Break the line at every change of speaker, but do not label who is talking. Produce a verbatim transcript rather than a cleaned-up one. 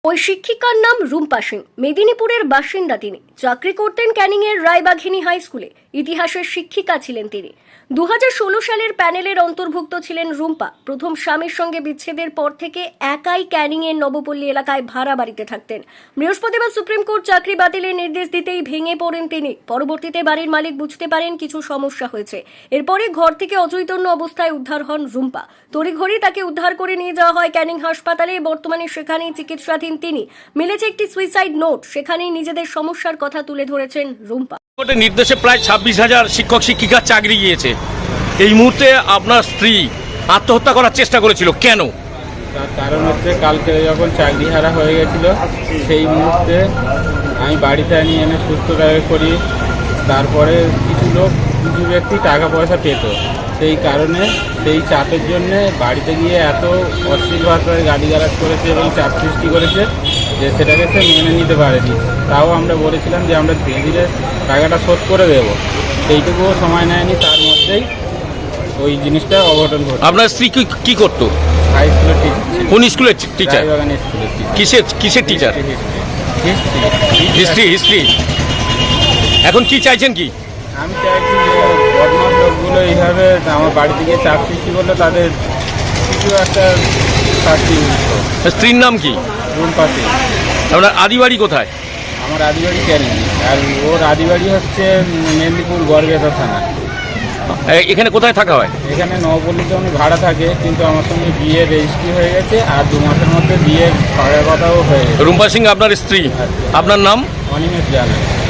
ওই শিক্ষিকার নাম রুম্পা সিং। মেদিনীপুরের বাসিন্দা তিনি। চাকরি করতেন ক্যানিংয়ের রায়বাঘিনী হাই স্কুলে। ইতিহাসের শিক্ষিকা ছিলেন তিনি। দু হাজার ষোলো সালের প্যানেলের অন্তর্ভুক্ত ছিলেন রুম্পা। প্রথম স্বামীর সঙ্গে বিচ্ছেদের পর থেকে একাই ক্যানিংয়ের নবপল্লী এলাকায় ভাড়া বাড়িতে থাকতেন। বৃহস্পতিবার সুপ্রিম কোর্ট চাকরি বাতিলের নির্দেশ দিতেই ভেঙে পড়েন তিনি। পরবর্তীতে বাড়ির মালিক বুঝতে পারেন কিছু সমস্যা হয়েছে। এরপরে ঘর থেকে অচৈতন্য অবস্থায় উদ্ধার হন রুম্পা। তড়িঘড়ি তাকে উদ্ধার করে নিয়ে যাওয়া হয় ক্যানিং হাসপাতালে। বর্তমানে সেখানেই চিকিৎসাধীন তিনি। মিলেছে একটি সুইসাইড নোট, সেখানেই নিজেদের সমস্যার কথা তুলে ধরেছেন রুম্পা।
কোর্টের নির্দেশে প্রায় ছাব্বিশ হাজার শিক্ষক শিক্ষিকার চাকরি গিয়েছে। এই মুহূর্তে আপনার স্ত্রী আত্মহত্যা করার চেষ্টা করেছিল, কেন?
তার কারণ হচ্ছে কালকে যখন চাকরি হারা হয়ে গেছিল সেই মুহূর্তে আমি বাড়িতে নিয়ে এনে সুস্থভাবে করি। তারপরে কিছু লোক কিছু ব্যক্তি টাকা পয়সা পেত, সেই কারণে সেই চাপের জন্যে বাড়িতে গিয়ে এত অশ্লীল ভাষায় গালিগালাজ করেছে এবং চাপ সৃষ্টি করেছে যে সেটাকে সে মেনে নিতে পারেনি। তাও আমরা বলেছিলাম যে আমরা ধীরে ধীরে টাকাটা শোধ করে দেবো, সেইটুকুও সময় নেয়নি। তার মধ্যেই ওই জিনিসটা অঘটন ঘটে।
আপনার স্ত্রী কি কি করতো?
হাই স্কুলের টিচার।
কোন স্কুলের টিচার?
রায়বাগানের স্কুলের টিচার।
কিসের কিসের টিচার? হিস্ট্রি হিস্ট্রি এখন কি চাইছেন কি?
আমি চাইছি যে বদমাস লোকগুলো এইভাবে আমার বাড়িতে গিয়ে চাপ সৃষ্টি করলে তাদের কিছু একটা শাস্তি মিলতো।
স্ত্রীর নাম কি?
রুম্পা সিং।
আপনার আদিবাড়ি কোথায়?
আমার আদিবাড়ি ক্যানিং, আর ওর আদিবাড়ি হচ্ছে মেদিনীপুর গড়বেতা থানা।
এ- এখানে কোথায় থাকা হয়?
এখানে নবপল্লীতে উনি ভাড়া থাকে, কিন্তু আমার সঙ্গে বিয়ে রেজিস্ট্রি হয়ে গেছে আর দু মাসের মধ্যে বিয়ে করার কথাও হয়ে গেছে।
রুম্পা সিং আপনার স্ত্রী, আপনার নাম?
অনিমেষ জানা।